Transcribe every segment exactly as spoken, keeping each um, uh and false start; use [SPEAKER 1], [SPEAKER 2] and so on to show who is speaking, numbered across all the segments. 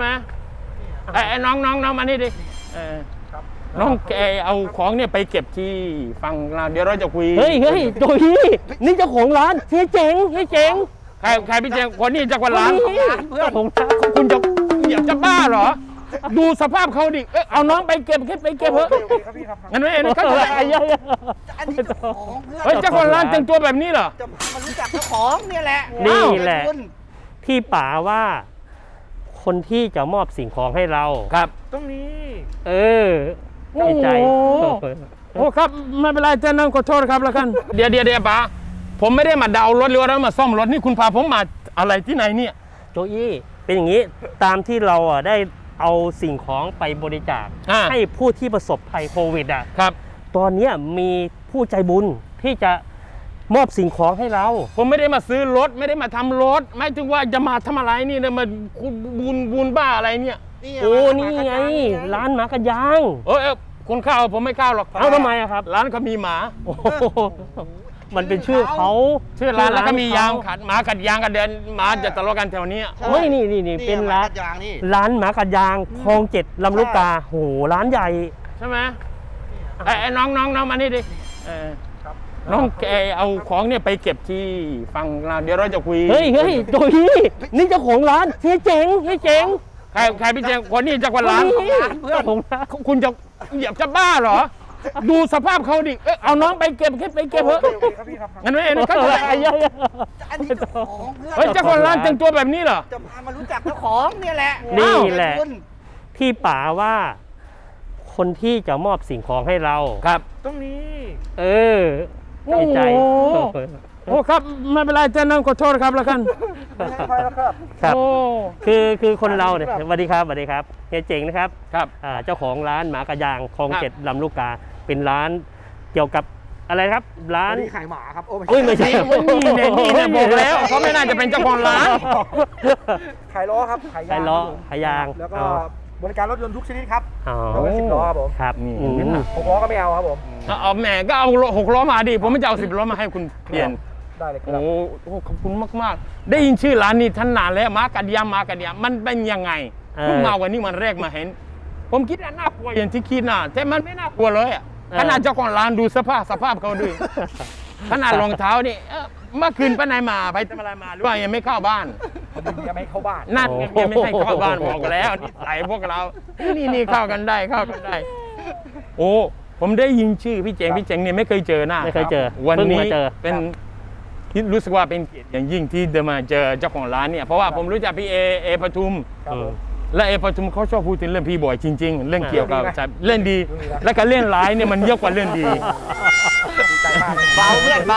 [SPEAKER 1] ไหมไอ้น้องน้องน้องมานี่ดิน้องแกเอาของเนี่ยไปเก็บที่ฟังเราเดี๋ยวเราจะคุย
[SPEAKER 2] เฮ้ยเฮ้ยโจยี่นี่เจ้าของร้านเฮียเจ๋งเฮียเจ๋ง
[SPEAKER 1] ใครใครพี่เจ๋งคนนี้จากวันร้าน
[SPEAKER 2] เพื่อนผม
[SPEAKER 1] คุณจะอยากจะบ้าเหรอดูสภาพเขาดิเออเอาน้องไปเก็บไปเก็บเถอะงั้นไม่เอ็นก็
[SPEAKER 2] อะไรเยอะ
[SPEAKER 3] อันนี้เจ้าของเพื่อน
[SPEAKER 1] เฮ้ยเจ้าของร้านแต่งตัวแบบนี้เหรอ
[SPEAKER 3] จะมารู้จักเจ้าของเนี่ยแหละ
[SPEAKER 2] นี่แหละที่ป๋าว่าคนที่จะมอบสิ่งของให้เรา
[SPEAKER 1] ครับ
[SPEAKER 3] ตรงนี้
[SPEAKER 2] เออในใจ
[SPEAKER 1] โอ้ครับไม่เป็นไรเจ้าน้องขอโทษครับแล้วกันเดี๋ยวเดี๋ยวเดี๋ยวป๋าผมไม่ได้มาดาวรถหรือว่ามาซ่อมรถนี่คุณพาผมมาอะไรที่ไหนเนี่ย
[SPEAKER 2] โจยี่เป็นอย่างนี้ตามที่เราอ่ะได้เอาสิ่งของไปบริจาคให้ผู้ที่ประสบภัยโควิดอ่ะ
[SPEAKER 1] ครับ
[SPEAKER 2] ตอนนี้มีผู้ใจบุญที่จะมอบสิ่งของให้เรา
[SPEAKER 1] ผมไม่ได้มาซื้อรถไม่ได้มาทำรถไม่ถึงว่าจะมาทำอะไรนี่นะมาบุญบุญบ้าอะไรเนี่ย
[SPEAKER 2] โอ้นี่ไงร้านหมากระยาง
[SPEAKER 1] เออคนเข้าผมไม่เข้าหรอก
[SPEAKER 2] เอาทำไมอะครับ
[SPEAKER 1] ร้านเขามีหมา
[SPEAKER 2] มันเป็นชื่อเขา
[SPEAKER 1] ชื่อร้านแล้วก็มียางขัดหมากัดยางกันเดินหมาจะทะเลาะกันแถวนี้
[SPEAKER 2] ไม่นี่นี่นี่เป็นร้านร้านหมากัดยางคลองเจ็ดลำลูกกาโหร้านใหญ่
[SPEAKER 1] ใช่ไหมไอ้น้องน้องน้องมานี่ดิน้องแกเอาของเนี่ยไปเก็บที่ฟังเราเดี๋ยวเราจะคุย
[SPEAKER 2] เฮ้ยเฮ้ยโจยี่นี่เจ้าของร้านเฮียเจ๋งเฮียเจ๋ง
[SPEAKER 1] ใครใครพี่เจ๋งคนนี้จากวันร้าน
[SPEAKER 2] เพื่อนผม
[SPEAKER 1] คุณจะอยากจะบ้าเหรอดูสภาพเขาดิเออเอาน้องไปเก็บไปเก็บเถอะงั้นไม่เอ็นก็
[SPEAKER 2] อะไรเยอะ
[SPEAKER 3] อันนี้เจ้าของเพื่อน
[SPEAKER 1] เฮ้ยเจ้าของร้านแต่งตัวแบบนี้เหรอ
[SPEAKER 3] จะพามารู้จักเจ้าของเนี่ยแหละ
[SPEAKER 2] นี่แหละที่ป๋าว่าคนที่จะมอบสิ่งของให้เรา
[SPEAKER 1] ครับ
[SPEAKER 3] ตรงนี้
[SPEAKER 2] เออในใจ
[SPEAKER 1] โอ้ครับไม่เป็นไรเจ้าน้องขอโทษครับแล้วกัน
[SPEAKER 2] ครับคือคือคนเราเนี่ยสวัสดีครับสวัสดีครับเฮียเจ๋งนะครับ
[SPEAKER 1] ครับ
[SPEAKER 2] เจ้าของร้านหมากระยางคลองเจ็ดลำลูกกาเป็นร้านเกี่ยวกับอะไรครับร้าน
[SPEAKER 3] ขายหมาครับโอ้
[SPEAKER 2] ไม่ใช่
[SPEAKER 1] นี่เนี่ยนี่เนี่ยบอกแล้วเขาไม่น่าจะเป็นเจ้าของร้าน
[SPEAKER 3] ขายล้อครับ
[SPEAKER 2] ขายล้อขายยาง
[SPEAKER 3] แล้วก็บริการรถยนต์ทุกชนิดครับ
[SPEAKER 2] เอาไว้
[SPEAKER 3] สิบล้อครับผม
[SPEAKER 2] ครับ
[SPEAKER 3] หกล้อก็ไม่เอาครับผม
[SPEAKER 1] เอาแหมก็เอาหกล้อมาดิผมไม่จะเอาสิบล้อมาให้คุณเปลี่ยน
[SPEAKER 3] ได้เลยครับ
[SPEAKER 1] โอ้ขอบคุณมากๆได้ยินชื่อร้านนี้ท่านนานแล้วมากัดยามากัดยามันเป็นยังไงเพิ่งมาวันนี้มันแรกมาเห็นผมคิดว่าน่ากลัวอย่างที่คิดนะแต่มันไม่น่ากลัวเลยอ่ะขนาดเจ้าของร้านดูสภาพสภาพเขาด้วยขนาดรองเท้านี่เมื่อคืนไปไหนมาไปทำอะไรมาหรือว่ายังไม่เข้าบ้าน
[SPEAKER 3] ยังไม่เข้าบ้าน
[SPEAKER 1] นั่นยังไม่ให้เข้าบ้านบอกแล้วนิสัยพวกเรานี่นี่เข้ากันได้เข้ากันได้โอ้ผมได้ยินชื่อพี่เจงพี่เจงเนี่ยไม่เคยเจอหน้า
[SPEAKER 2] ไม่เคยเจอ
[SPEAKER 1] วันนี้เป็นรู้สึกว่าเป็นเกียรติอย่างยิ่งที่เดินมาเจอเจ้าของร้านเนี่ยเพราะว่าผมรู้จักพี่เอเอปทุมและเอปทุมเขาชอบพูดถึงเรื่องพี่บ่อยจริงๆเรื่องเกี่ยวกับเล่นดีและการเล่นร้ายเนี่ยมันเยอะกว่าเล่นดี
[SPEAKER 3] เบาเพื่อนเบา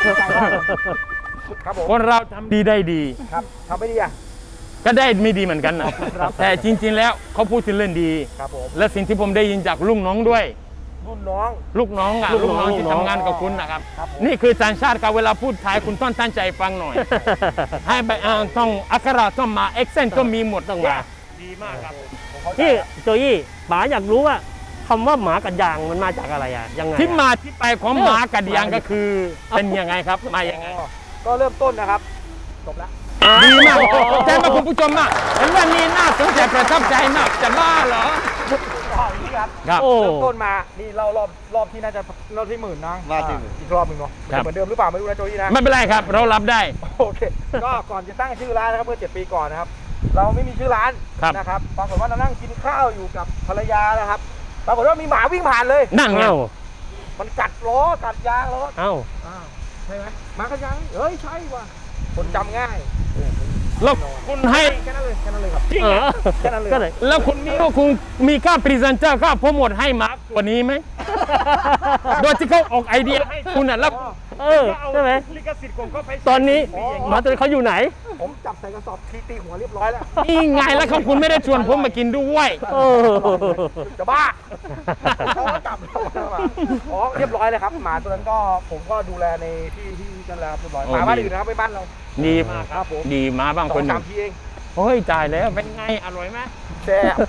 [SPEAKER 1] คนเราทำดีได้ดี
[SPEAKER 3] ครับทำไม่ดีอ่ะ
[SPEAKER 1] ก็ได้ไม่ดีเหมือนกันนะแต่จริงๆแล้วเขาพูดถึงเรื่องดีและสิ่งที่ผมได้ยินจากลุงน้องด้วย
[SPEAKER 3] ลูกน้อง
[SPEAKER 1] ลูกน้องอ่ะลูกน้องที่ทำงานกับคุณนะครับนี่คือสัญชาติการเวลาพูดไทยคุณต้องตั้งใจฟังหน่อยให้ไปต้องอักขระต้องมาเอ็กเซนต์ต้องมีหมดต้องมาดีมากครับ
[SPEAKER 2] ที่โจยี่ป๋าอยากรู้ว่าคำว่าหมากัดยางมันมาจากอะไรอ่ะยังไง
[SPEAKER 1] ที่มาที่ไปของหมากัดยางก็คือเป็นยังไงครับมายังไง
[SPEAKER 3] ก็เริ่มต้นนะครับจบแล้ว
[SPEAKER 1] ดีมากแจ้งมาคุณผู้ชมมากเห็นว่านี่น่าสนใจประทับใจมากจะบ้าเหรอ
[SPEAKER 3] ครับเริ่มต้นมานี่เรารอบรอบที่น่าจะรอบที่หมื่นนะรอบที่อีกรอบหนึ่งเนาะเหมือนเดิมหรือเปล่าไม่รู้นะโจยี่นะ
[SPEAKER 1] ไม่เป็นไรครับเรารับได้
[SPEAKER 3] โอเคก็ก่อนจะตั้งชื่อร้านนะครับเมื่อเจ็ดปีก่อนนะครับเราไม่มีชื่อร้านนะครับปรากฏว่าเรานั่งกินข้าวอยู่กับภรรยานะครับปรากฏว่ามีหมาวิ่งผ่านเลย
[SPEAKER 1] นั่นไง
[SPEAKER 3] มันกัดล้อกัดยางล้อ
[SPEAKER 2] เอ้า
[SPEAKER 3] ใช่ไหมหมากัดยางเฮ้ยใช่ว่ะคนจำง่าย
[SPEAKER 1] แล้วคุณให้
[SPEAKER 3] แค่นั้นเลยแค่นั้นเลยครับ
[SPEAKER 1] แค่นั้นเลยแล้วคุณมีว่าคุณมีค่าพรีเซนเตอร์ค่าโปรโมทให้มากกว่านี้ไหมโดยที่เขาออกไอเดียให้คุณน่ะแล้ว
[SPEAKER 2] เออใช่ไหมลิขสิทธิ์ผมก็ไปตอนนี้หมาตัวเขาอยู่ไหน
[SPEAKER 3] ผมจับใส่กระสอบทีตีหัวเรียบร้อยแล้ว
[SPEAKER 1] นี่ไงแล้วเขาคุณไม่ได้ชวนผมมากินด้วย
[SPEAKER 3] จะบ้าเขาจับอ๋อเรียบร้อยเลยครับหมาตัวนั้นก็ผมก็ดูแลในที่ที่นั่นแหละเรียบร้อยหมาบ้านอื่นนะครับไม่บ้านเรา
[SPEAKER 1] ดีมากครับดีมาบ้างคนหนึ่งโอ้ยจ่ายแล้วเป็นไงอร่อยไหม
[SPEAKER 3] แซ่บ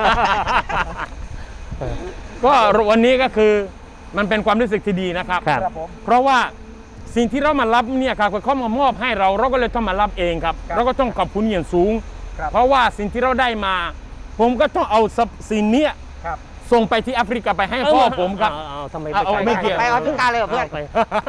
[SPEAKER 1] ก็วันนี้ก็คือมันเป็นความรู้สึกที่ดีนะครับเพราะว่าสิ่งที่เรามารับเนี่ยครับเขามามอบให้เราเราก็เลยต้องมารับเองครับเราก็ต้องขอบคุณอย่างสูง
[SPEAKER 3] ครับ
[SPEAKER 1] เพราะว่าสิ่งที่เราได้มา ผมก็ต้องเอาสิ่งเนี้ย
[SPEAKER 3] ครับ
[SPEAKER 1] ส่งไปที่แอฟริกาไปให้พ่อผมครับ
[SPEAKER 2] เอาเอาทำไม
[SPEAKER 1] เอาเอา
[SPEAKER 2] ป
[SPEAKER 1] ไม่เกี่ยว
[SPEAKER 4] ไปออฟริกาเลยเหรอเพื่อน
[SPEAKER 2] ไป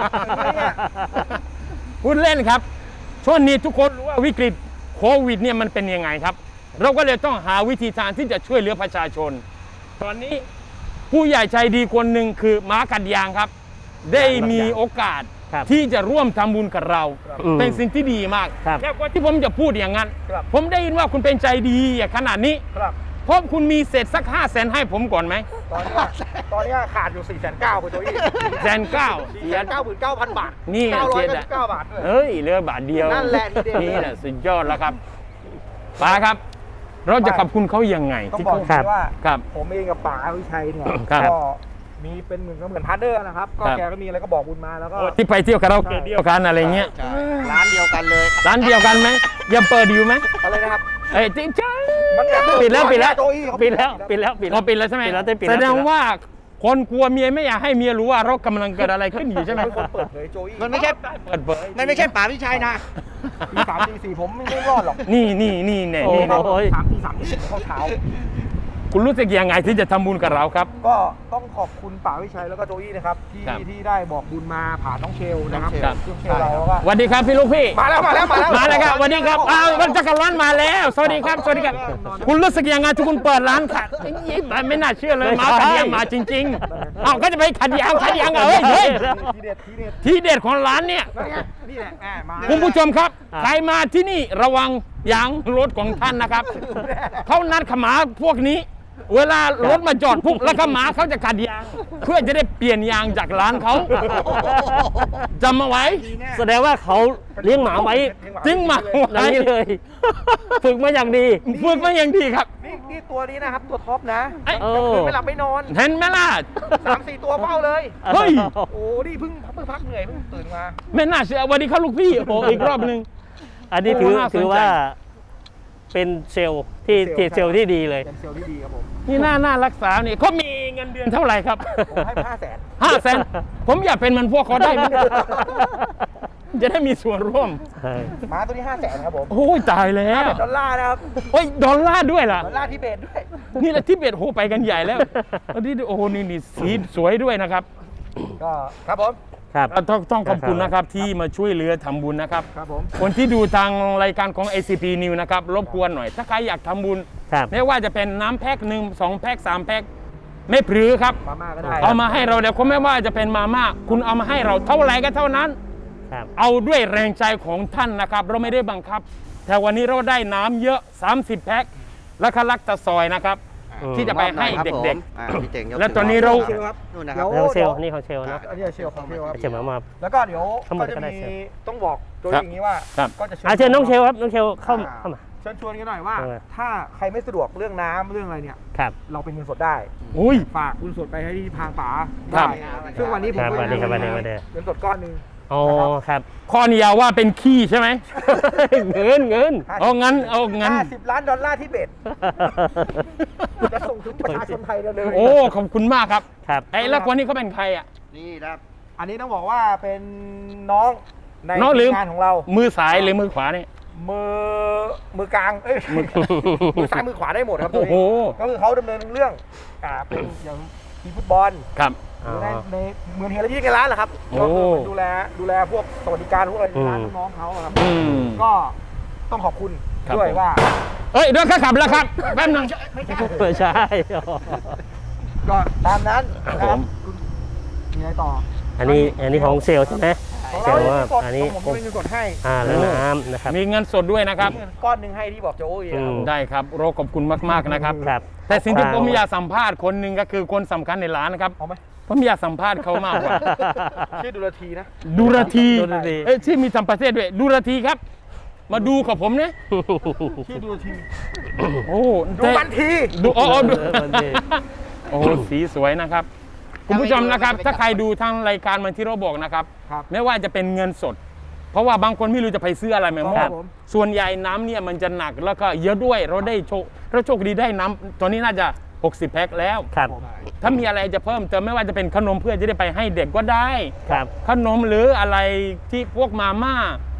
[SPEAKER 1] พูดเล่นครับ ช่วงนี้ทุกคนรู้ว่าวิกฤตโควิดเนี่ยมันเป็นยังไงครับ เราก็เลยต้องหาวิธีทางที่จะช่วยเหลือประชาชน ตอนนี้ผู้ใหญ่ใจดีคนหนึ่งคือม้ากัดยางครับ ได้มีโอกาส
[SPEAKER 2] ครับ
[SPEAKER 1] ที่จะร่วมทำบุญกับเรา
[SPEAKER 2] อืม
[SPEAKER 1] เป็นสิ่งที่ดีมาก
[SPEAKER 2] ครับ
[SPEAKER 1] แค่ว่าที่ผมจะพูดอย่างนั้น
[SPEAKER 3] ครับ
[SPEAKER 1] ผมได้ยินว่าคุณเป็นใจดีอย่างขนาดนี้
[SPEAKER 3] ครับ
[SPEAKER 1] เพราะคุณมีเศษสักห้าแสนให้ผมก่อนไหม
[SPEAKER 3] ตอนเนี้ยตอนเนี้ยขาดอยู่สี่แสนเก้าคุณโจอี้
[SPEAKER 1] แสนเก้า
[SPEAKER 3] สี่แสนเก้าหมื่นเก้าพันบาท
[SPEAKER 1] นี่
[SPEAKER 3] เก้าร้อย
[SPEAKER 1] เสียดาย
[SPEAKER 3] เก้าสิบเก้าบาทด้วย
[SPEAKER 1] เฮ้ยเหลือบาทเดียว
[SPEAKER 3] นั่นแหละทีเด็ด
[SPEAKER 1] นี่แหละสุดยอดแล้วครับป้าครับ เราจะขอบคุณเขายังไง
[SPEAKER 3] ต้อง
[SPEAKER 1] ที่
[SPEAKER 3] บอก
[SPEAKER 1] เขา
[SPEAKER 3] เลยว่า
[SPEAKER 1] ครับ
[SPEAKER 3] ผมเองกับป๋าวิชัยเนี่ย
[SPEAKER 1] ครับ
[SPEAKER 3] ก็มีเป็นเหมือนก็เหมือนพาร์ทเนอร์นะครับ ก็
[SPEAKER 1] ครับ
[SPEAKER 3] แกก็มีอะไรก็บอกบุญมาแล้วก็
[SPEAKER 1] ที่ไปเที่ยวคาราโอเกะเดียวกันอะไรเงี้ย
[SPEAKER 4] ใช่ร้านเดียวกันเลย
[SPEAKER 1] ร้านเดียวกันไหมยังเปิดอยู่ไหม
[SPEAKER 3] อะไรนะครับ
[SPEAKER 1] เอ้ยจริงจัง
[SPEAKER 3] มันแบบ
[SPEAKER 1] ปิดแล้วปิดแล้ว
[SPEAKER 3] โจอี้เขา
[SPEAKER 2] ปิดแล้วปิดแล้วปิด
[SPEAKER 1] เราปิดแล้วใช่ไหม
[SPEAKER 2] ปิดแล้วได้ปิด
[SPEAKER 1] แส
[SPEAKER 2] แล้ว
[SPEAKER 1] ดงว่าคนกลัวเมียไม่อยากให้เมียรู้ว่าเรากำลังเกิดอะไรขึ้นอยู่ใช่ไหม
[SPEAKER 3] เป็นคนเปิดเผยโจอี้
[SPEAKER 4] มันไม่ใช่
[SPEAKER 1] เปิดเผย
[SPEAKER 4] มันไม่ใช่ป๋าวิชัยนะ
[SPEAKER 3] ตีสามตีสี่ผมไม่ไม่รอดหรอก
[SPEAKER 1] นี่นี่นี่เนี่ย
[SPEAKER 2] โอ้
[SPEAKER 1] นี่
[SPEAKER 2] โห
[SPEAKER 3] สามตีสามตีสี่เข้าเช้า
[SPEAKER 1] คุณรู้สึกยังไงที่จะทำบุญกับเราครับ
[SPEAKER 3] ก็ต้องขอบคุณป๋าวิชัยแล้วก็โจอี้นะครับที่
[SPEAKER 1] ครับ
[SPEAKER 3] ที่ได้บอกบุญมาผ่านน้องเชลนะครับ
[SPEAKER 1] ครับ
[SPEAKER 3] น้องเชลเราแล้วก็
[SPEAKER 1] สวัสดีครับพี่ลูกพี่
[SPEAKER 3] มาแล้วมาแล้วมาแล้ว
[SPEAKER 1] มาแล้วครับสวัสดีครับอ้าวมันจักรวาลมาแล้ว สวัสดีครับสวัสดีครับ คุณรู้สึกยังไงที่คุณเปิดร้านค่ะไม่น่าเชื่อเลย
[SPEAKER 2] ไม่
[SPEAKER 1] มา
[SPEAKER 2] ใช่
[SPEAKER 1] ขัดยางมาจริงๆอ้าวก็จะไปขัดยางขัดยางเหรอเฮ้ยเฮ้ย
[SPEAKER 3] ทีเด็ดทีเด็ด
[SPEAKER 1] ที่เด็ดของร้านเนี่ย
[SPEAKER 3] นั่นไงนี่แหละแหมมา
[SPEAKER 1] คุณผู้ชมครับ
[SPEAKER 2] อ่ะ
[SPEAKER 1] ใครมาที่นี่ระวังยางรถของท่านนะครับ เขานัดขมาพวกนี้ เวลารถมาจอดปุ๊บแล้วขมาเขาจะขัดยาง เพื่อจะได้เปลี่ยนยางจากร้านเขาจำมาไว้
[SPEAKER 2] แสดงว่าเขาเลี้ยงหมาไว้
[SPEAKER 1] จริงมา
[SPEAKER 2] อย่างนี้เลย ฝึกมาอย่างดี
[SPEAKER 1] ฝึกมาอย่างดีครับ
[SPEAKER 3] นี่นี่ตัวนี้นะครับตัวท็อปนะ
[SPEAKER 1] เอ้ย
[SPEAKER 2] เอ
[SPEAKER 3] ก็
[SPEAKER 2] อ
[SPEAKER 3] คือไม่หลับไม่นอน
[SPEAKER 1] เห็นไหมล่ะ
[SPEAKER 3] สามสี่ตัวเฝ้าเลย
[SPEAKER 1] เฮ้ย
[SPEAKER 3] โอ้นี่เพิ่งเพิ่งพักเหนื่อยเพิ่งตื่นมา
[SPEAKER 1] ไม่น่าเชื่อวันนี้เขาลูกพี่โอ้โหอีกรอบหนึ่ง
[SPEAKER 2] อันนี้ถือ
[SPEAKER 1] โอ้น่าสนใจ
[SPEAKER 2] ถือว่าเป็นเซลล์ที่ที่เซลล์ที่ดีเลย
[SPEAKER 3] เป็นเซลล์ที่ดีครับผม
[SPEAKER 1] นี่น่าน่ารักษาเนี่ยเขามีเงินเดือนเท่าไหร่ครับ
[SPEAKER 3] ผมให้ห้าแสน
[SPEAKER 1] ห้าแสนผมอยากเป็นเหมันพวกเขาได้ไหมจะได้มีส่วนร่วม
[SPEAKER 3] ม้าตัวนี้ห้าแสนครับผม
[SPEAKER 1] โอ้ยตายแล้ว
[SPEAKER 3] เป็นดอลลาร์นะครับ
[SPEAKER 1] โอ้ยดอลลาร์ด้วยล่ะ
[SPEAKER 3] ดอลลาร์ทิเบตด้วย
[SPEAKER 1] นี่แหละที่เบ็ดโหไปกันใหญ่แล้วอันนี้โอ้โหนี่นี่สีสวยด้วยนะครับ
[SPEAKER 3] ก็ครับผม
[SPEAKER 2] ครับ
[SPEAKER 1] เราต้องต้องขอบคุณนะครับที่มาช่วยเหลือทำบุญนะครับ
[SPEAKER 3] ครับผม
[SPEAKER 1] คนที่ดูทางรายการของ เอ ซี พี News นะครับรบกวนหน่อย ถ้าใครอยากทำบุญ
[SPEAKER 2] ครับ
[SPEAKER 1] ไม่ว่าจะเป็นน้ำแพ็คหนึ่งสองแพ็คสามแพ็คไม่พรือครับ
[SPEAKER 3] มาม่าก็ได้
[SPEAKER 1] เอามาให้เราเดี๋ยวเขาไม่ว่าจะเป็นมาม่าคุณเอามาให้เราเท่าไหร่ก็เท่านั้น
[SPEAKER 2] ครับ
[SPEAKER 1] เอาด้วยแรงใจของท่านนะครับ เราไม่ได้บังคับ แต่วันนี้เราได้น้ำเยอะ สามสิบ แพ็คและคลักตะซอยนะครับ
[SPEAKER 2] อืม
[SPEAKER 1] ที่จะไปให้เด็ก
[SPEAKER 4] ๆอ่าพี่เจ๋งยก
[SPEAKER 1] แล้วตอนนี้เรา
[SPEAKER 3] เชลครับ
[SPEAKER 4] นู่นนะครับ
[SPEAKER 2] แล้วเซลล์นี่ของเชลล์นะ
[SPEAKER 3] อันนี้เชลของเชลครับ
[SPEAKER 2] เชลล์มามา
[SPEAKER 3] แล้วก็เดี๋ยว
[SPEAKER 2] ทั้งหมด
[SPEAKER 3] ก็จะ
[SPEAKER 2] ก็ได้
[SPEAKER 3] มี
[SPEAKER 2] เชล
[SPEAKER 3] ต้องบอกโดย
[SPEAKER 1] ครับ
[SPEAKER 3] อย่างนี้ว่า
[SPEAKER 1] ครับ
[SPEAKER 3] ก็จะ
[SPEAKER 2] อาเชิญน้องเชลล์ครับน้องเชลล์เข้าเข้ามา
[SPEAKER 3] เชิญชวนกันหน่อยว่า
[SPEAKER 2] เออ
[SPEAKER 3] ถ้าใครไม่สะดวกเรื่องน้ำเรื่องอะไรเนี่ย
[SPEAKER 2] ครับ
[SPEAKER 3] เราเป็นเงินสดได้
[SPEAKER 1] อุ้ย
[SPEAKER 3] ฝากเงินสดไปให้ที่ทางป๋า
[SPEAKER 1] ครับ
[SPEAKER 3] ได้ซึ่งวันนี้ผม
[SPEAKER 2] ครับ
[SPEAKER 3] ก็
[SPEAKER 2] วันนี้ครับวันนี้วันนี้
[SPEAKER 3] เงินสดก้อนหนึ่ง
[SPEAKER 2] อ๋อครับ
[SPEAKER 1] ข้อนี้อยาว่าเป็นขี้ใช่ไหม
[SPEAKER 2] เงินเงิน
[SPEAKER 1] เอางั้นเอางั้น
[SPEAKER 3] ห้าสิบล้านดอลลาร์ที่เบ็ดจะส่งถึงประชาชนไทยเร็วๆ
[SPEAKER 1] โอ้ขอบคุณมากครับ
[SPEAKER 2] ครับ
[SPEAKER 1] ไอ้แล้วคนนี้เขาเป็นใครอ่ะ
[SPEAKER 4] นี่ครับ
[SPEAKER 3] อันนี้ต้องบอกว่าเป็นน้องใน
[SPEAKER 1] น้องหรือ
[SPEAKER 3] ทีมงานของเรา
[SPEAKER 1] มือซ้ายหรือมือขวาเนี่ย
[SPEAKER 3] มือมือกลางเอ้ยมือซ้ายมือขวาได้หมดครับ
[SPEAKER 1] โอ้โห
[SPEAKER 3] ก็คือเขาดำเนินเรื่องอ่าเป็นอย่างทีมฟุตบอล
[SPEAKER 1] ครับ
[SPEAKER 2] อ๋อ
[SPEAKER 3] ในในเหมือนเฮลที่ในร้านแหละครับ
[SPEAKER 1] โอ้
[SPEAKER 3] ก็คือดูแลดูแลพวกสวัสดิการพวกอะไรในร้าน
[SPEAKER 2] อืม
[SPEAKER 3] น้องๆเขาอะครับ
[SPEAKER 1] อืม
[SPEAKER 3] ก็ต้องขอบคุณ
[SPEAKER 1] ครับ
[SPEAKER 3] ด้วย
[SPEAKER 1] ผม
[SPEAKER 3] ว่า
[SPEAKER 1] เอ้ยเดี๋ยวข้าขับแล้วครับแป๊บนึง
[SPEAKER 2] ไม่ใช่
[SPEAKER 3] ก็ตามนั้น
[SPEAKER 1] ครับ
[SPEAKER 3] นะ
[SPEAKER 1] ผม
[SPEAKER 3] คุณมีอะไรต่อ
[SPEAKER 2] อันนี้อันนี้ของเซลล์ใช่ไหม
[SPEAKER 3] ของ
[SPEAKER 2] เซล
[SPEAKER 3] เรา
[SPEAKER 2] ล์ว่า
[SPEAKER 3] สด
[SPEAKER 2] อันนี้
[SPEAKER 3] ของผมเป็นเงินสดให้
[SPEAKER 2] อ่าแล้วน้ำนะครับ
[SPEAKER 1] มีเงินสดด้วยนะครับ
[SPEAKER 3] เงินก้อนหนึ่งให้ที่บอกโจโอ้ย
[SPEAKER 2] อืม
[SPEAKER 1] ได้ครับเราขอบคุณมากๆนะครับ
[SPEAKER 2] ครับ
[SPEAKER 1] แต่สิ่งที่ผมอยากสัมภาษณ์คนหนึ่งก็คือคนสำคัญในร้านนะครับ
[SPEAKER 3] เอาไหม
[SPEAKER 1] ผมอยากสัมภาษณ์เขามากกว่า
[SPEAKER 3] ชื่อดุลทีนะ
[SPEAKER 1] ดูรที
[SPEAKER 2] ดูรที
[SPEAKER 1] เอ้ยที่มีทำประเทศด้วย ดูรทีครับ มาดูกับผมเนี่ย
[SPEAKER 3] ชื่อดุลที
[SPEAKER 1] โอ้
[SPEAKER 3] ดู
[SPEAKER 1] แต่
[SPEAKER 3] บันที
[SPEAKER 1] ดูอ๋ออ๋อดู
[SPEAKER 2] เออบันที
[SPEAKER 1] โอ้สีสวยนะครับ คุณผู้ชมนะครับ ถ้าใครดูทางรายการมันที่เราบอกนะครับ
[SPEAKER 3] ครับ
[SPEAKER 1] ไม่ว่าจะเป็นเงินสด เพราะว่าบางคนไม่รู้จะไปซื้ออะไรมาม
[SPEAKER 3] ค
[SPEAKER 1] อ
[SPEAKER 3] รั
[SPEAKER 1] บบ
[SPEAKER 3] ผม
[SPEAKER 1] ส่วนใหญ่น้ำเนี่ยมันจะหนักแล้วก็เยอะด้วย เราได้โชคเราโชคดีได้น้ำตอนนี้น่าจะหกสิบแพ็คแล้ว
[SPEAKER 2] ครับ
[SPEAKER 1] ถ้ามีอะไรจะเพิ่มเติมไม่ว่าจะเป็นขนมเพื่อจะได้ไปให้เด็กก็ได้
[SPEAKER 2] ครับ
[SPEAKER 1] ขนมหรืออะไรที่พวกมาม่า
[SPEAKER 3] ครับ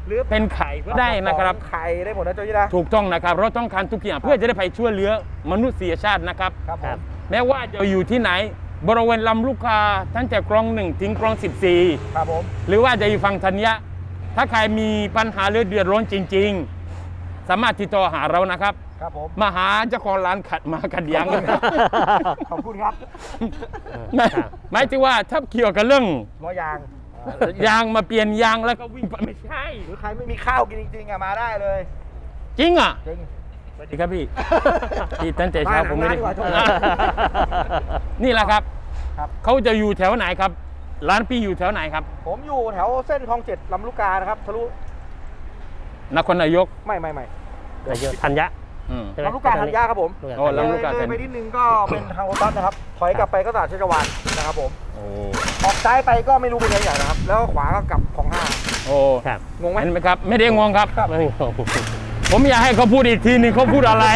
[SPEAKER 3] หรือ
[SPEAKER 1] เป็นไข่ก็ได้นะครับ
[SPEAKER 3] ไข่ได้หมดนะโจยี่นะ
[SPEAKER 1] ถูกต้องนะครับเราต้องการทุกอย่างเพื่อจะได้ไปช่วยเหลือมนุษยชาตินะครับ
[SPEAKER 3] ครับผม
[SPEAKER 1] แม้ว่าจะอยู่ที่ไหนบริเวณลำลูกกาตั้งแต่คลองหนึ่งถึงคลองสิบสี่
[SPEAKER 3] ครับผม
[SPEAKER 1] หรือว่าจะอยู่ฝั่งธัญญะถ้าใครมีปัญหาหรือเดือดร้อนจริง ๆ สามารถติดต่อหาเรานะครับ
[SPEAKER 3] ครับผม
[SPEAKER 1] มาหาเจ้าของร้านขัดมาขัดยางกัน
[SPEAKER 3] ขอบคุณครับ
[SPEAKER 1] หมายหมายถึงว่าถ้าเกี่ยวกับเรื่อง
[SPEAKER 3] ล้อยาง
[SPEAKER 1] ยางมาเปลี่ยนยางแล้วก็วิ่งไปไม่ใช่
[SPEAKER 3] หรือใครไม่มีข้าวกินจริงๆอะมาได้เลย
[SPEAKER 1] จริงอ่ะ
[SPEAKER 3] จริง
[SPEAKER 1] สวัสดีครับพี่ พี่ตั้งแต่เช้าผมไม่ได้
[SPEAKER 3] มาหนังร้านดีกว่าโทษ
[SPEAKER 1] นี่แหละครับ
[SPEAKER 3] ครับ
[SPEAKER 1] เขาจะอยู่แถวไหนครับ ร้านพี่อยู่แถวไหนครับ
[SPEAKER 3] ผมอยู่แถวเส้นคลองเจ็ดลำลูกกานะครับทะลุ
[SPEAKER 1] นครนายก
[SPEAKER 3] ไม่ไม่ไม่
[SPEAKER 2] แต่เยอะธัญญะ
[SPEAKER 1] อืม
[SPEAKER 2] ใช่ไหม
[SPEAKER 3] ลำลูกกาธัญญาครับผม
[SPEAKER 2] ลูกกา
[SPEAKER 1] โอ้
[SPEAKER 2] ธัญญะ
[SPEAKER 1] ลำลูกกา
[SPEAKER 3] เลยไปนิดนึงก็เป็นทางโอตัสนะครับ ถอยกลับไปก็ตลาดชัชวาลนะครับผม
[SPEAKER 1] โอ้
[SPEAKER 3] ออกซ้ายไปก็ไม่รู้เป็นยังไงนะครับ แล้วขวาก็กลับของห้า
[SPEAKER 1] โอ้
[SPEAKER 2] ครับ
[SPEAKER 3] งงไหม
[SPEAKER 1] เห็นไหมครับ ไม่ได้งงครับ
[SPEAKER 2] ไม่มีของ
[SPEAKER 1] ผมอยากให้เขาพูดอีกทีหนึงเขาพูดอะไร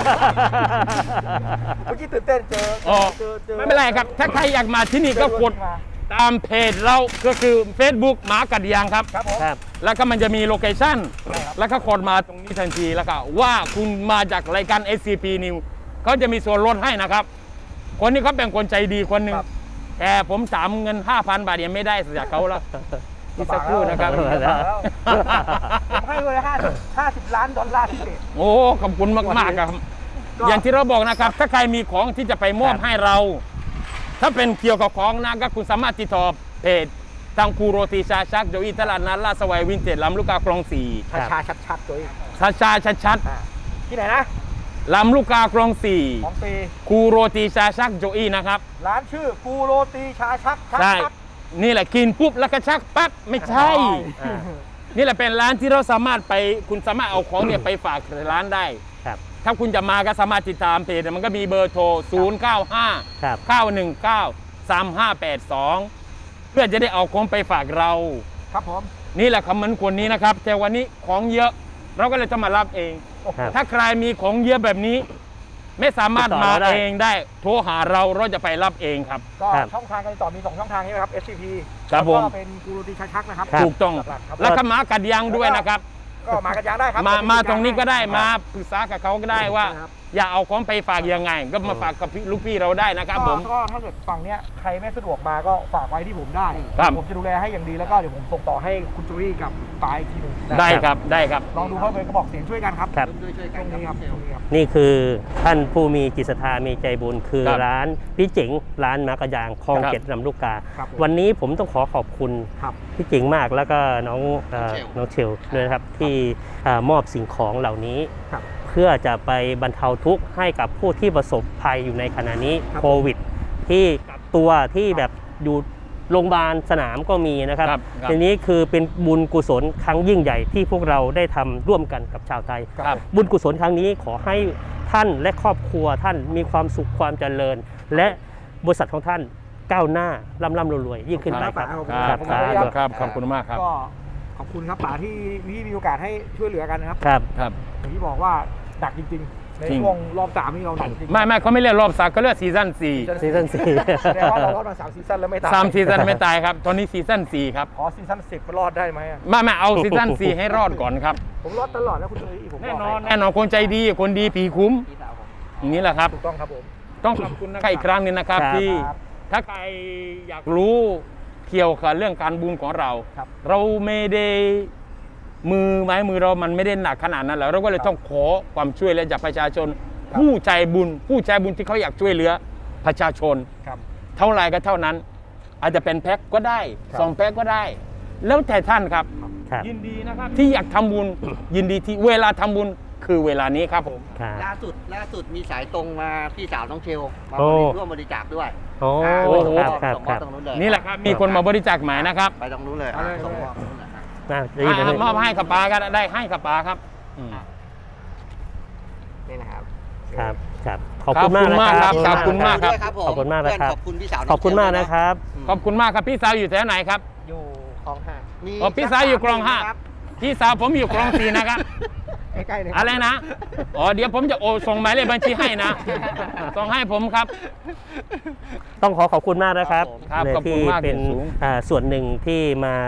[SPEAKER 3] เมื่อกี้ตื่นเต้นเจอ
[SPEAKER 1] อ๋อ
[SPEAKER 3] เจอเจอ
[SPEAKER 1] ไม่เป็นไรครับ ถ้าใครอยากมาที่นี่ก็กด
[SPEAKER 3] มา
[SPEAKER 1] ตามเพจเราก็คือ Facebook หมากัดยางครับ
[SPEAKER 3] ครับผม
[SPEAKER 2] ครับ
[SPEAKER 1] แล้วก็มันจะมีโลเคชั่น
[SPEAKER 3] ใช่ครับ
[SPEAKER 1] แล้วก็กดมาตรงนี้ทันทีแล้วก็ว่าคุณมาจากรายการ เอส ซี พี News เขาจะมีส่วนลดให้นะครับ คนนี้เขาเป็นคนใจดีคนหนึ่ง
[SPEAKER 3] ครับ
[SPEAKER 1] แต่ผมถามเงิน ห้าพัน บาทยังไม่ได้จากเขาแล้วอีกสักครู่นะครับ
[SPEAKER 3] ลำบากแล้วผมให้เลยห้าห้าสิบล้านดอลลาร์พิเศษ
[SPEAKER 1] โอ้ขอบคุณมากๆครับ
[SPEAKER 3] ก็
[SPEAKER 1] อย่างที่เราบอกนะครับ ถ้าใครมีของที่จะไปมอบให้เรา ถ้าเป็นเกี่ยวกับของนะก็คุณสามารถติดต่อเพจทางคูโรตีชาชักโจอีตลาดนัดลาดสวายวินเทจลำลูกกาคลองสี่
[SPEAKER 2] ครับ
[SPEAKER 3] ชาชัดๆตัวเอง
[SPEAKER 1] ชาชาชัดชัด
[SPEAKER 3] อ่าที่ไหนนะ
[SPEAKER 1] ๆลำลูกกาคลองสี่
[SPEAKER 3] ของฟรี
[SPEAKER 1] คูโรตีชาชักโจอีนะครับ
[SPEAKER 3] ร้านชื่อกูโรตีชาชักชัก
[SPEAKER 1] ใช่
[SPEAKER 3] ชัก
[SPEAKER 1] นี่แหละกินปุ๊บแล้วก็ชักปั๊บไม่ใช่
[SPEAKER 2] อ่า
[SPEAKER 1] นี่แหละเป็นร้านที่เราสามารถไปคุณสามารถเอาของเนี่ยไปฝากร้านได้
[SPEAKER 2] ครับ
[SPEAKER 1] ถ้าคุณจะมาก็สามารถติดตามเพจมันก็มีเบอร์โทร ศูนย์ เก้า ห้า
[SPEAKER 2] ครับ
[SPEAKER 1] เก้า หนึ่ง เก้า สาม ห้า แปด สอง เพื่อจะได้เอาของไปฝากเรา
[SPEAKER 3] ครับผม
[SPEAKER 1] นี่แหละคำมันคนนี้นะครับ แต่วันนี้ของเยอะเราก็เลยต้องมารับเอง
[SPEAKER 2] ครับ
[SPEAKER 1] ถ้าใครมีของเยอะแบบนี้ ไม่สามารถ
[SPEAKER 2] ติดต่อ
[SPEAKER 1] มา
[SPEAKER 2] เราได้
[SPEAKER 1] เองได้ โทรหาเราเราจะไปรับเองครับ
[SPEAKER 3] ก็
[SPEAKER 2] ครับ
[SPEAKER 3] ช่องทางการติดต่อมีสองช่องทางใช่ไหมครับ เอส ซี พี
[SPEAKER 1] ครับผม
[SPEAKER 3] แล้วก็เป็นกูโรตีชาชักนะครับ
[SPEAKER 2] ครับ
[SPEAKER 1] ถูกต้อง
[SPEAKER 3] หลักๆครับ
[SPEAKER 1] แล้วก็หมากัดยางด้วยนะครับ
[SPEAKER 3] ก็มากันยางได้ครับ
[SPEAKER 1] มา
[SPEAKER 3] เดี๋ยว
[SPEAKER 1] มาตรงนี้ก็ได้
[SPEAKER 3] ครับ
[SPEAKER 1] มาปรึกษากับเขาก็ได้ว่า
[SPEAKER 3] ครับ
[SPEAKER 1] อยากเอาของไปฝากยังไง ก็มาฝากกับพี่ลูกพี่เราได้นะครับผม
[SPEAKER 3] ก็ถ้าเกิดฝั่งเนี้ยใครไม่สะดวกมาก็ฝากไว้ที่ผมได้
[SPEAKER 1] ครับ
[SPEAKER 3] ผมจะดูแลให้อย่างดีแล้วก็เดี๋ยวผมส่งต่อให้คุณจูรี่กับปายอีกทีหนึงนะ
[SPEAKER 1] ได้ครับได้ครับ
[SPEAKER 3] ลองดูเขาเป็นกระบอกเสียงช่วยกันครับ
[SPEAKER 2] ครับ
[SPEAKER 4] ช่วยๆ
[SPEAKER 3] ต
[SPEAKER 4] กั
[SPEAKER 3] ร
[SPEAKER 4] น
[SPEAKER 3] งนี้ครับตรงนี้ครับ
[SPEAKER 2] นี่คือท่านผู้มีจิตศรัทธามีใจบุญคือ
[SPEAKER 1] ครับ
[SPEAKER 2] ร้านพี่เจ๋งร้านมากระยางคลอง
[SPEAKER 1] ครับ
[SPEAKER 2] เจ็ดลำลูกกา
[SPEAKER 3] ครับผม
[SPEAKER 2] วันนี้ผมต้องขอขอบคุณ
[SPEAKER 3] ครับ
[SPEAKER 2] พี่เจ๋งมากแล้วก็น้องเอ่อน้องเชลด้วยนะครับที่เอ่อมอบสิ่งของเหล่านี้
[SPEAKER 3] ครับ
[SPEAKER 2] เพื่อจะไปบรรเทาทุกข์ให้กับผู้ที่ประสบภัยอยู่ในขณะนี้
[SPEAKER 3] ครับ
[SPEAKER 2] โควิด ที่กักตัวที่แบบอยู่โรงพยาบาลสนามก็มีนะครับ
[SPEAKER 1] ครับครับ
[SPEAKER 2] ทีนี้คือเป็นบุญกุศลครั้งยิ่งใหญ่ที่พวกเราได้ทำร่วมกันกับชาวไทย
[SPEAKER 1] ครับ
[SPEAKER 2] บุญกุศลครั้งนี้ขอให้ท่านและครอบครัวท่านมีความสุขความเจริญ และบริษัทของท่านก้าวหน้าร่ำร่ำรวยๆยิ่งขึ้นไปครับ
[SPEAKER 3] ครับ
[SPEAKER 1] ครับ
[SPEAKER 3] ผม
[SPEAKER 1] ครับครับขอบคุณมากครับ
[SPEAKER 3] ก็ขอบคุณครับป๋าที่ที่มีโอกาสให้ช่วยเหลือกันนะครับ
[SPEAKER 2] ครับ
[SPEAKER 1] ครับ
[SPEAKER 3] อย่างที่บอกว่าหนักจริงๆ ใน
[SPEAKER 1] จริง
[SPEAKER 3] ช่วงรอบสามนี่เราหนักจริง
[SPEAKER 1] ไม่ไม่เขาไม่เรียกรอบสามเขาเรียกซีซั่นสี่
[SPEAKER 2] ซีซั่นสี่
[SPEAKER 3] แสดงว่าเรารอดมาสามซีซั่นแล้วไม่ตาย
[SPEAKER 1] สามซีซั่นไม่ตายครับ ตอนนี้ซีซั่นสี่ครับ
[SPEAKER 3] ขอซีซั่นสิบรอดได้ไหมอะ
[SPEAKER 1] ไม่ไม่เอาซีซั่นสี่ให้รอดก่อนครับ
[SPEAKER 3] ผมรอดตลอดนะคุณจูรี่ผม
[SPEAKER 1] แน่
[SPEAKER 3] บก
[SPEAKER 1] นอน
[SPEAKER 3] ให้
[SPEAKER 1] แน่นอนคนใจดีคนดีผีคุ้ม
[SPEAKER 4] พี่สาวผม
[SPEAKER 1] อย่างนี้แหละครับ
[SPEAKER 3] ถูกต้องครับผม
[SPEAKER 1] ต้องขอบคุณนะครับอีกครั้งหนึงนะครับ
[SPEAKER 2] ครับ
[SPEAKER 1] ที่
[SPEAKER 3] ครับ
[SPEAKER 1] ถ้าใครอยากรู้เกี่ยวกับเรื่องการบุญของเรา
[SPEAKER 3] ครับ
[SPEAKER 1] เราไม่ได้มือไม้มือเรามันไม่ได้หนักขนาดนั้นแล้วเราก็เลยต้องขอความช่วยเหลือจากประชาชน ผู้ใจบุญ ผู้ใจบุญที่เขาอยากช่วยเหลือประชาชน
[SPEAKER 3] ครับ
[SPEAKER 1] เท่าไรก็เท่านั้น อาจจะเป็นแพ็คก็ได้
[SPEAKER 3] ครับ
[SPEAKER 1] สองแพ็คก็ได้ แล้วแต่ท่านครับ
[SPEAKER 2] ครับ
[SPEAKER 1] ยินดีนะครับที่อยากทำบุญ ยินดีที่เวลาทำบุญคือเวลานี้ครับผม
[SPEAKER 2] ครับ
[SPEAKER 4] ล่าสุดล่าสุดมีสายตรงมาพี่สาวน้องเชลมา
[SPEAKER 2] โอ้
[SPEAKER 4] ร่วมบริจาคด้วย
[SPEAKER 2] โอ้
[SPEAKER 4] อ่า
[SPEAKER 1] โอ้โห
[SPEAKER 2] ครับครับ
[SPEAKER 4] ส่งม
[SPEAKER 2] ค
[SPEAKER 4] อบ
[SPEAKER 2] รับ
[SPEAKER 4] ตรงนู้นเลย
[SPEAKER 1] นี่แหละครับมีคนมาบริจาคหมายนะครับ
[SPEAKER 4] ไปตรงนู้นเลย
[SPEAKER 3] เอาเลย
[SPEAKER 4] ส่งมอบตรงนู้นเลยฮะ
[SPEAKER 2] น่าจะยินดี
[SPEAKER 1] อ่ามอบให้กับปาก็ได้ให้กับปาครับอืม
[SPEAKER 4] นี่นะครับ
[SPEAKER 2] ครับครับขอบคุณมากนะค
[SPEAKER 1] ครั
[SPEAKER 2] รับบ
[SPEAKER 1] ขอบคุณมากครับ
[SPEAKER 4] ด้วยครับผม
[SPEAKER 2] ขอบคุณมากนะครับ
[SPEAKER 4] ขอบคุณพี่สาวน้ง
[SPEAKER 2] ขอบคุณมาก
[SPEAKER 4] เชล
[SPEAKER 2] นะครับ
[SPEAKER 1] ขอบคุณมากครับพี่สาวอยู่แถวไหนครับ
[SPEAKER 3] อยู่คลองห้า
[SPEAKER 4] มี
[SPEAKER 1] อ๋อพี่สาวอยู่คลองห้า
[SPEAKER 4] ครับ
[SPEAKER 1] พี่สาวผมอยู่คลองสี่นะครับ
[SPEAKER 3] ใกล้ๆเลยคบ
[SPEAKER 1] อะไรนะ อ๋อ เดี๋ยวผมจะโอนส่งหมายเลขบัญชีให้นะ ส่งให้ผมครับ
[SPEAKER 2] ต้องขอขอบคุณมากนะครับ
[SPEAKER 1] ครับ
[SPEAKER 2] เลย
[SPEAKER 1] ขอบคุณ
[SPEAKER 2] ที่
[SPEAKER 1] มาก
[SPEAKER 2] เป็น
[SPEAKER 1] อย่างสูง
[SPEAKER 2] อ่าส่วนหนึ่งที่มา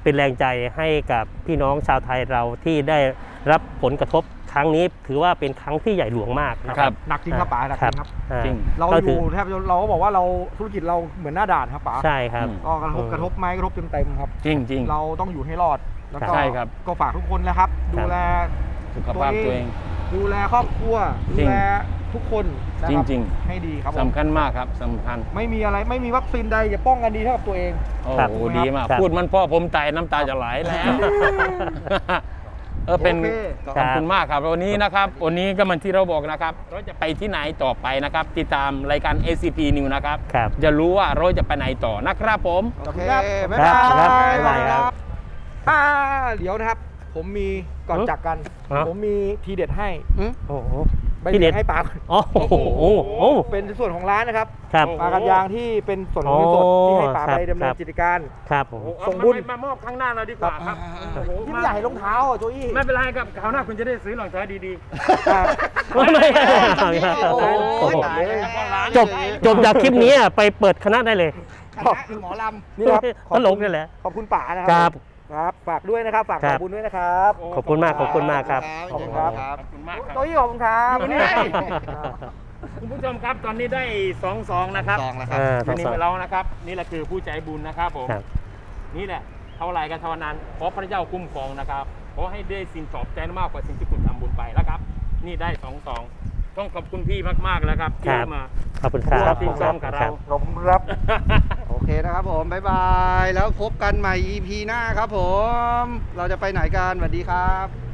[SPEAKER 2] เป็นแรงใจให้กับพี่น้องชาวไทยเราที่ได้รับผลกระทบครั้งนี้ถือว่าเป็นครั้งที่ใหญ่หลวงมากนะค
[SPEAKER 1] ครั
[SPEAKER 2] รับ
[SPEAKER 1] บ
[SPEAKER 3] หนักจริงครับป๋าหนักจริงครับ
[SPEAKER 2] อ่า
[SPEAKER 1] จริง
[SPEAKER 3] เรา
[SPEAKER 2] ก็
[SPEAKER 3] อ
[SPEAKER 2] ถื
[SPEAKER 3] ยู่แทบจะเราก็บอกว่าเราธุรกิจเราเหมือนหน้าด่านครับป๋า
[SPEAKER 2] ใช่ครับ
[SPEAKER 1] อืม
[SPEAKER 3] ก็กระทบ
[SPEAKER 2] อืม
[SPEAKER 3] กระทบไหมกระทบเต็มๆครับ
[SPEAKER 1] จริงจริง
[SPEAKER 3] เราต้องอยู่ให้รอดแล้วก็
[SPEAKER 1] ใช่ครับ
[SPEAKER 3] ก็ฝากทุกคนนะครับ ดูแล
[SPEAKER 1] สุขภาพตัวเอง
[SPEAKER 3] ดูแลครอบครัว
[SPEAKER 1] จริ
[SPEAKER 3] ดู
[SPEAKER 1] ง
[SPEAKER 3] แลทุกคนนะครับ
[SPEAKER 1] จริง
[SPEAKER 3] ให้ดีครับผม
[SPEAKER 1] สำคัญมากครับสำคัญ
[SPEAKER 3] ไม่มีอะไรไม่มีวัคซีนใดจะป้องกันดีเท่ากับตัวเอง
[SPEAKER 1] โอ้
[SPEAKER 2] ครับ
[SPEAKER 1] โหดีมาก
[SPEAKER 2] ครับ
[SPEAKER 1] พูดมันพ่อผมตายน้ำตาจะไหลแล้ว เออเป็น
[SPEAKER 3] โอเค
[SPEAKER 1] ขอบคุณมากครับวันนี้นะครับวันนี้ก็มันที่เราบอกนะครับ เราจะไปที่ไหนต่อไปนะครับ ติดตามรายการ เอ ซี พี News นะครับ
[SPEAKER 2] ครับ
[SPEAKER 1] จะรู้ว่าเราจะไปไหนต่อนะครับผม
[SPEAKER 3] โอเคบ๊าย
[SPEAKER 2] ครับ
[SPEAKER 3] บาย
[SPEAKER 2] ครับบ๊ายบายครับ
[SPEAKER 3] อ่าเดี๋ยวนะครับ ผมมีก่อนจากกัน
[SPEAKER 2] ฮะ
[SPEAKER 3] ผมมีทีเด็ดให้
[SPEAKER 2] โอ้โห
[SPEAKER 3] ใบ
[SPEAKER 2] ทีเด็
[SPEAKER 3] เด็
[SPEAKER 2] ด
[SPEAKER 3] ดให้ปลาก่อน
[SPEAKER 2] อ๋อโอ้โหโอ้โห
[SPEAKER 3] เป็นส่วนของร้านนะครับ
[SPEAKER 2] ครับ
[SPEAKER 3] ปลากันยางที่เป็นส่วนของเงินสดที่ให้ปลา
[SPEAKER 2] ครับ
[SPEAKER 3] ไปดำเนิ
[SPEAKER 2] ครั
[SPEAKER 3] น
[SPEAKER 2] บ
[SPEAKER 3] กิจการ
[SPEAKER 2] ครับผม
[SPEAKER 3] ส่งบุญ
[SPEAKER 1] มามอบข้างหน้าเราดีกว่าครับ
[SPEAKER 3] ที่ไม่อยากให้รองเท้าอ่ะโจอี้
[SPEAKER 1] ไม่เป็นไรครับคราวหน้าคุณจะได้ซื้อรองเท้าดี
[SPEAKER 3] อ่า
[SPEAKER 2] ไม่ไม่ไม่
[SPEAKER 4] โอ้โห
[SPEAKER 2] โอ้โห
[SPEAKER 4] ตายแล้ว
[SPEAKER 2] จบจบจากคลิปนี้อ่ะไปเปิดคณะได้เลย
[SPEAKER 4] คณะหมอลำ
[SPEAKER 3] นี่ครับ
[SPEAKER 2] ตลกนี่แหละ
[SPEAKER 3] ขอบคุณป๋านะค
[SPEAKER 2] ค
[SPEAKER 3] รั
[SPEAKER 2] รับ
[SPEAKER 3] ครับฝากด้วยนะครับฝาก
[SPEAKER 2] ครั
[SPEAKER 3] ข
[SPEAKER 2] บ
[SPEAKER 3] อบคุณด้วยนะครับ
[SPEAKER 1] ๆ
[SPEAKER 2] ขอบคุณมากขอบคุณมากครับ
[SPEAKER 3] ขอบคุณครับ
[SPEAKER 1] ขอบคุณมากค
[SPEAKER 3] โจ
[SPEAKER 1] รับ
[SPEAKER 3] อี้ขอบคุณครับ
[SPEAKER 1] อยู่นี่ คุณผู้ชมครับตอนนี้ได้สองซองนะครับ
[SPEAKER 4] ซองแล้วครับ
[SPEAKER 2] อ่า
[SPEAKER 1] ทีนี้
[SPEAKER 2] สองๆ
[SPEAKER 1] เรานะครับ นี่แหละคือผู้ใจบุญนะครับผม
[SPEAKER 2] ครับ
[SPEAKER 1] นี่แหละเท่าไรกันเท่านั้นขอพระเจ้าคุ้มครองนะครับขอให้ได้สิ่งตอบแทนมากกว่าสิ่งที่คุณทำบุญไปแล้วครับ นี่ได้สองซองต้องขอบคุณพี่มากๆแล้วครับที่
[SPEAKER 2] ครับ
[SPEAKER 1] มา
[SPEAKER 2] ขอบคุณครับ
[SPEAKER 1] ครับที่ซ้อมกับเรา
[SPEAKER 3] ขอบคุณครับ
[SPEAKER 4] โอเคนะครับผม บ๊ายบาย แล้วพบกันใหม่ อี พี หน้าครับผม เราจะไปไหนกันสวัสดีครับ